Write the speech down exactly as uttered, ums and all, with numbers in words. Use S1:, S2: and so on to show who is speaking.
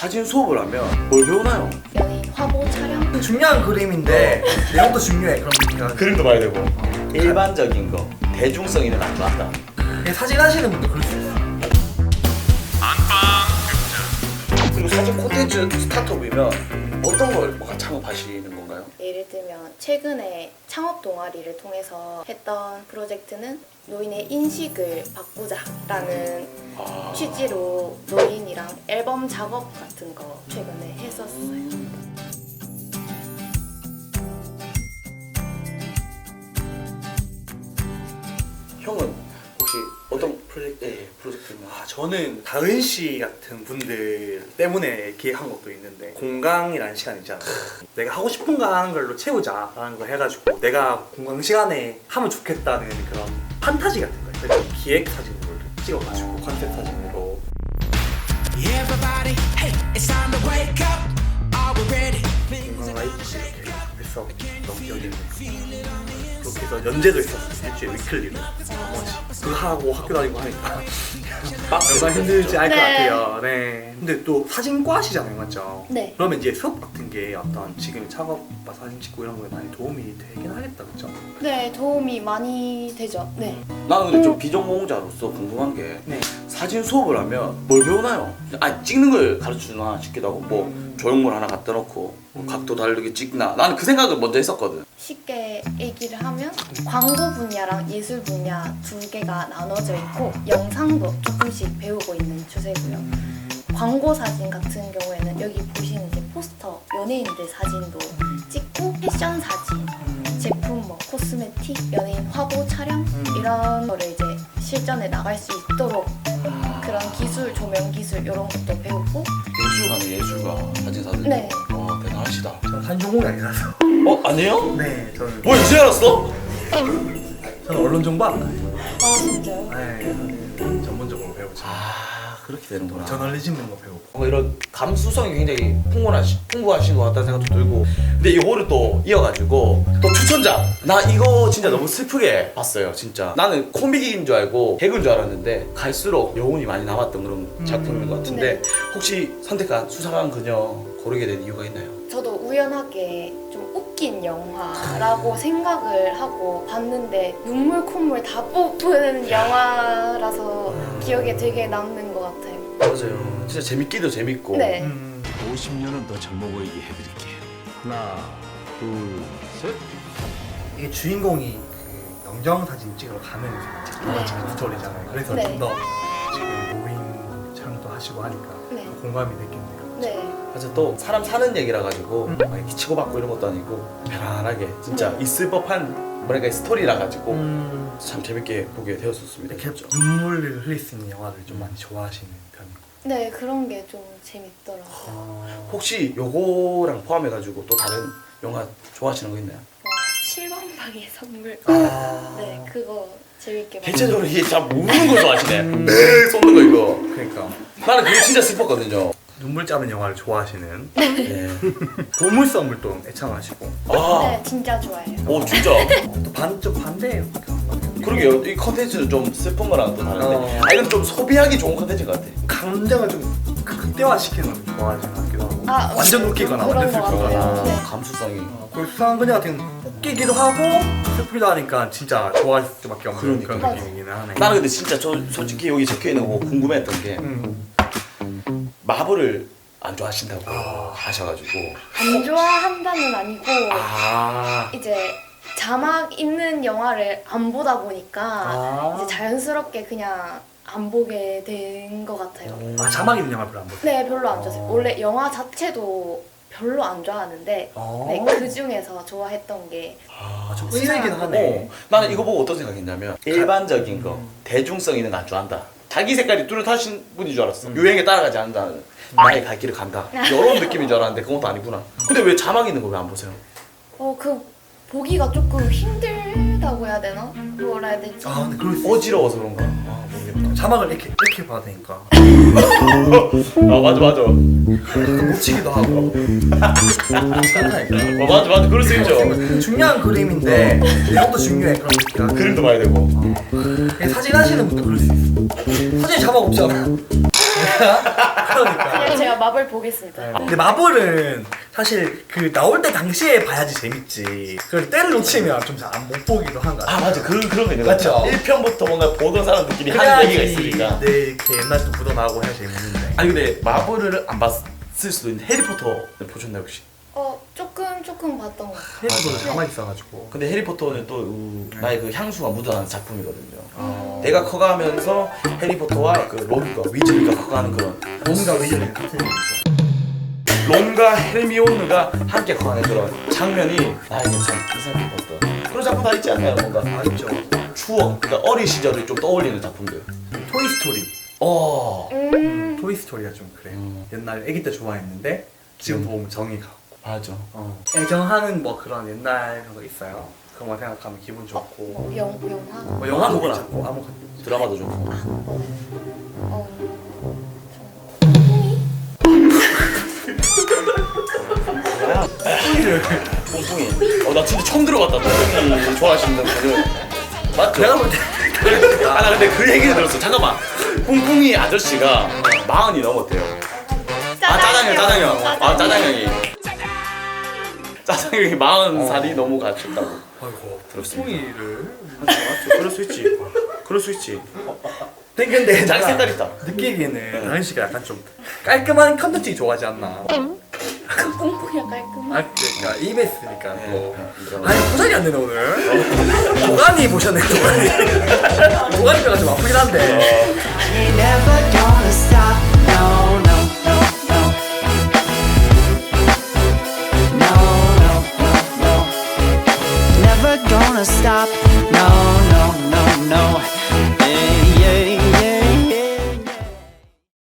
S1: 사진 수업을 하면 뭘 배우나요?
S2: 연예인 화보 촬영?
S3: 중요한 그림인데 내용도 중요해. 그럼 그냥
S1: 그림도 봐야 되고 일반적인 거 대중성 있는 안 좋아한다.
S3: 그냥 사진 하시는 분도 그럴 수 있어.
S1: 그리고 사진 콘텐츠 스타트업이면 어떤 걸 뭔가 창업하시는 건가요?
S2: 예를 들면 최근에 창업 동아리를 통해서 했던 프로젝트는 노인의 인식을 바꾸자라는
S1: 아...
S2: 취지로 노인이랑 앨범 작업 같은 거 최근에 했었어요.
S1: 형은 혹시 어떤 프로젝트, 예, 프로젝트나
S3: 아, 저는 다은 씨 같은 분들 때문에 기획한 것도 있는데 공강이라는 시간 있잖아. 내가 하고 싶은 거 하는 걸로 채우자라는 걸 해가지고 내가 공강 시간에 하면 좋겠다는 그런 판타지 같은 거 그래서 기획 사진으로 찍어가지고 컨셉 사진으로
S4: Everybody, hey, it's time to wake up. Are we ready?
S3: 공강 라이프 이렇게 했어. 너무 기억이 있네. 그렇게 해서 연재도 있었어. 일주일에 위클리로. 그거 하고 학교 다니고 하니까 얼마나 힘들지 알 것
S2: 네.
S3: 같아요. 네. 근데 또 사진과시잖아요, 맞죠?
S2: 네.
S3: 그러면 이제 수업 같은 게 어떤 지금 작업 사진 찍고 이런 거에 많이 도움이 되긴 하겠다, 그렇죠?
S2: 네, 도움이 많이 되죠. 네.
S1: 나는 근데 좀 비전공자로서 궁금한 게
S3: 네.
S1: 사진 수업을 하면 뭘 배우나요? 아 찍는 걸 가르쳐주나 싶기도 하고 뭐
S3: 음.
S1: 조형물 하나 갖다 놓고 뭐 각도 다르게 찍나 나는 그 생각을 먼저 했었거든.
S2: 쉽게 얘기를 하면 광고 분야랑 예술 분야 두 개가 나눠져 있고 영상도 조금씩 배우고 있는 추세고요. 광고 사진 같은 경우에는 여기 보시는 이제 포스터, 연예인들 사진도 찍고 패션 사진, 제품 뭐 코스메틱, 연예인 화보 촬영 이런 거를 이제 실전에 나갈 수 있도록 그런 기술, 조명 기술 이런 것도 배우고.
S1: 예술가네 예술가 사진사들.
S2: 네.
S1: 와 대단하시다.
S3: 저는 사진 전공이 아니라서.
S1: 어 아니에요?
S3: 네, 저는
S1: 뭐 이제 알았어?
S3: 저는 언론 정보 안 나요.
S2: 아 진짜요?
S3: 네, 저는 전문적으로 배우죠.
S1: 아 그렇게 되는구나.
S3: 저널리즘 이런 거 배우고.
S1: 뭐 이런 감수성이 굉장히 풍부하시, 풍부하신 것 같다는 생각도 들고 근데 이거를 또 이어가지고 또 추천작 나 이거 진짜 너무 슬프게 봤어요 진짜 나는 코믹인 줄 알고 개그인 줄 알았는데 갈수록 여운이 많이 남았던 그런 작품인 것 같은데
S2: 네.
S1: 혹시 선택한 수상한 그녀 고르게 된 이유가 있나요?
S2: 저도 우연하게 좀 웃긴 영화라고 생각을 하고 봤는데 눈물 콧물 다 뽑는 영화라서 기억에 되게 남는 것 같아요.
S1: 맞아요 진짜 재밌기도 재밌고
S2: 네.
S3: 음,
S5: 오십 년은 더 젊어 보이게 해드릴게요. 하나, 둘, 셋.
S3: 이게 주인공이 그 영정 사진 찍으러 가면서 장난치는 스토리잖아요. 그래서
S2: 네.
S3: 좀 더 지금 노인 촬영도 하시고 하니까
S2: 네.
S3: 더 공감이 됐겠네요.
S2: 네.
S1: 맞아 또 사람 사는 얘기라 가지고 막 이렇게 치고받고 이런 것도 아니고 편안하게 진짜
S2: 네.
S1: 있을 법한 뭐랄까 스토리라 가지고
S3: 음,
S1: 참 재밌게 보게 되었었습니다.
S3: 이렇게
S1: 진짜.
S3: 눈물을 흘릴 수 있는 영화를 좀 많이 좋아하시는 편이고.
S2: 네, 그런 게 좀 재밌더라고요.
S3: 어,
S1: 혹시 요거랑 포함해가지고 또 다른 영화 좋아하시는 거 있나요?
S2: 와, 칠 번 방의 선물.
S3: 아.
S2: 네, 그거 재밌게 봤어요.
S1: 대체적으로 이게 잘 모르는 걸 좋아하시네. 네, 쏟는 거 이거.
S3: 그러니까
S1: 나는 그게 진짜 슬펐거든요.
S3: 눈물 짜는 영화를 좋아하시는
S1: 네.
S3: 보물섬을 또 애창하시고
S1: 아,
S2: 네, 진짜 좋아해요.
S1: 오 진짜.
S3: 또 반 좀 반대예요.
S1: 그러게요. 이 컨텐츠는 좀 슬픈 거랑 또 다른데.
S3: 어.
S1: 아 이건 좀 소비하기 좋은 컨텐츠인 것 같아.
S3: 감정을 좀 극대화시키는 걸 좋아하시는 것 같기도 하고
S2: 아,
S3: 완전
S2: 음,
S3: 웃기거나
S2: 그런
S3: 완전
S2: 것
S3: 슬프거나
S2: 같아요. 네.
S1: 감수성이.
S3: 어, 그리고 수상한 그녀 같은 경우는 웃기기도 하고 슬프기도 하니까 진짜 좋아할 수밖에 없는
S1: 그러니까.
S3: 그런 느낌이긴 하네.
S1: 나는 근데 진짜 저 솔직히 여기 적혀 있는 거 궁금했던 게
S3: 음.
S1: 마블을 안 좋아하신다고
S3: 아.
S1: 하셔가지고.
S2: 안 좋아한다는 아니고
S1: 아.
S2: 이제 자막 있는 영화를 안 보다 보니까
S3: 아.
S2: 이제 자연스럽게 그냥 안 보게 된 것 같아요.
S3: 아 자막 있는 영화 별로 안 보세요?
S2: 네, 별로 안 좋아해요. 원래 영화 자체도 별로 안 좋아하는데
S3: 어.
S2: 네, 그 중에서 좋아했던 게
S1: 아,
S3: 좀 의외긴 하네.
S1: 어, 나는 이거 보고 어떤 생각했냐면 일반적인 거, 대중성 있는 거 안 좋아한다. 자기 색깔이 뚜렷하신 분인 줄 알았어. 유행에 따라가지 않는다는 나의 갈 길을 간다. 이런 느낌인 줄 알았는데 그건 또 아니구나. 근데 왜 자막 있는 거 왜 안 보세요?
S2: 어, 그 보기가 조금 힘들다고 해야 되나? 뭐라 해야 되지?
S3: 아 근데 그럴 수 있어.
S1: 어지러워서 그런가? 아 모르겠다.
S3: 자막을 이렇게 이렇게 봐야 되니까
S1: 아 맞아 맞아.
S3: 묻히기도 하고 괜찮다니까.
S1: 어, 맞아 맞아 그럴 수 있죠.
S3: 중요한 그림인데 내용도 중요해. 그럼 그냥
S1: 그림도 봐야 되고.
S3: 그냥 사진 하시는 분도 그럴 수 있어. 사진 자막 없잖아. 그러니까.
S2: 그냥 제가 마블 보겠습니다.
S3: 근데 마블은 사실 그 나올 때 당시에 봐야지 재밌지. 그걸 때를 놓치면 좀 잘 안 못 보기도 한 것 같아.
S1: 아 맞아 그런 그런 거 있는 거
S3: 맞죠?
S1: 같아. 일 편부터 뭔가 보던 사람들끼리 하는 얘기가 있으니까.
S3: 네, 이렇게 옛날 또 묻어나고 해야 재밌는데.
S1: 아니 근데 마블을 안 봤을 수도 있는데 해리포터 보셨나요 혹시?
S2: 어 조금 조금 봤던 것 같아요.
S3: 해리포터도 가만히 있어가지고.
S1: 근데 해리포터는 또 우, 나의 그 향수가 묻어나는 작품이거든요.
S3: 어.
S1: 내가 커가면서 해리포터와 그 론과 위즐리가 커가는 그런
S3: 뭔가 위즐리 같은 얘기죠.
S1: 론과 헤르미온느가 함께 커가는 그런 장면이 나에게 참 인상 깊었던 그런 작품 다 있지 않나요? 뭔가
S3: 아 있죠.
S1: 추억, 그러니까 어린 시절을 좀 떠올리는 작품들.
S3: 토이스토리.
S1: 어,
S2: 음.
S3: 토이스토리가 좀 그래요.
S1: 음.
S3: 옛날 아기 때 좋아했는데 지금 보면 정이 가고.
S1: 맞아.
S3: 어. 애정하는 뭐 그런 옛날 그런 거 있어요. 그런 거 생각하면 기분 좋고.
S2: 뭐 영, 영화?
S3: 뭐 영화도
S1: 아무거나.
S3: 괜찮고 아무거나.
S1: 드라마도 좀 보고.
S2: 어,
S1: 뽕뽕이. 어, 나 진짜 처음 들어봤다. 뽕뽕이 좋아하시는 분은. 맞죠?
S3: 내가 볼 때.
S1: 아, 나 근데 그 얘기를 들었어. 잠깐만. 뽕뽕이 아저씨가 마흔이 넘었대요. 아, 짜장형, 짜장형. 아, 짜장형이. 짜장형이 마흔 살이 너무 가셨다고.
S3: 아이고
S1: 들었습니다.
S3: 뽕이를.
S1: 맞죠, 맞죠. 그럴 수 있지. 그럴 수 있지.
S3: 근데
S1: 자기
S3: 내가
S1: 색깔 있다.
S3: 느끼기에는 나은 씨가 약간 좀 깔끔한 컨텐츠 좋아하지 않나.
S2: 뽕뽕이가 깔끔한.
S3: 아 그러니까 이베스니까 또.
S1: 이거.
S3: 아니 포장이 안 되네 오늘. 도가니 보셨네 도가니. 도가니가 좀 아프긴 한데.
S6: Ain't never gonna stop